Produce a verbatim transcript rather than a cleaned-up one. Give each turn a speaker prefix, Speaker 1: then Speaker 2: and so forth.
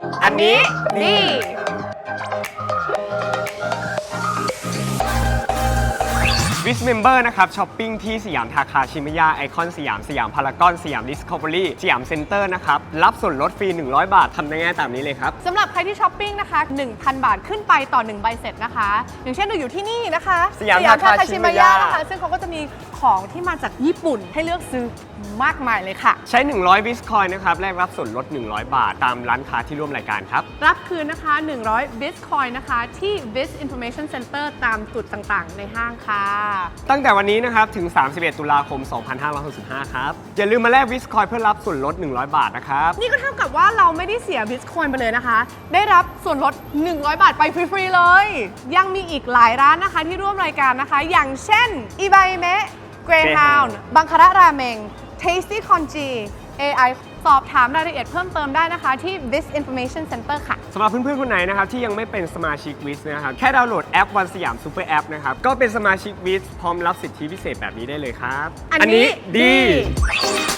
Speaker 1: อันนี้ดี วิสเมมเบอร์นะครับช้อปปิ้งที่สยามทาคาชิมยาไอคอนสยามสยามพารากอนสยามดิสคัฟเวอรี่สยามเซ็นเตอร์นะครับรับส่วนลดฟรีหนึ่งร้อยบาททำได้ง่ายตามนี้เลยครับ
Speaker 2: สำหรับใครที่ช้อปปิ้งนะคะ หนึ่งพัน บาทขึ้นไปต่อหนึ่งใบเสร็จนะคะอย่างเช่นเราอยู่ที่นี่นะคะ
Speaker 1: สยามทาคาชิมยา
Speaker 2: นะคะซึ่งเขาก็จะมีของที่มาจากญี่ปุ่นให้เลือกซื้อมากมายเลยค่ะ
Speaker 1: ใช้หนึ่งร้อยบิสคอยน์นะครับแลกรับส่วนลดหนึ่งร้อยบาทตามร้านค้าที่ร่วมรายการครับ
Speaker 2: รับคืนนะคะหนึ่งร้อย Bitcoin นะคะที่ Biz Information Center ตามจุดต่างๆในห้างค่ะ
Speaker 1: ตั้งแต่วันนี้นะครับถึงสามสิบเอ็ดตุลาคมสองพันห้าร้อยหกสิบห้าครับอย่าลืมมาแลกบิสคอยน์เพื่อรับส่วนลดหนึ่งร้อยบาทนะครับ
Speaker 2: นี่ก็เท่ากับว่าเราไม่ได้เสีย Bitcoin ไปเลยนะคะได้รับส่วนลดหนึ่งร้อยบาทไปฟรีๆเลยยังมีอีกหลายร้านนะคะที่ร่วมรายการนะคะอย่างเช่น อิบายเมะ Greyhound บังคาระราเมง Tasty Congee เอ ไอ สอบถามรายละเอียดเพิ่มเติมได้นะคะที่ Biz Information Center ค่ะ
Speaker 1: สำหรับเพื่อนๆคนไหนนะครับที่ยังไม่เป็นสมาชิกวิสนะครับแค่ดาวน์โหลดแอปวันสยามซูเปอร์แอปนะครับก็เป็นสมาชิกวิสพร้อมรับสิทธิพิเศษแบบนี้ได้เลยครับ
Speaker 2: อันนี้ดี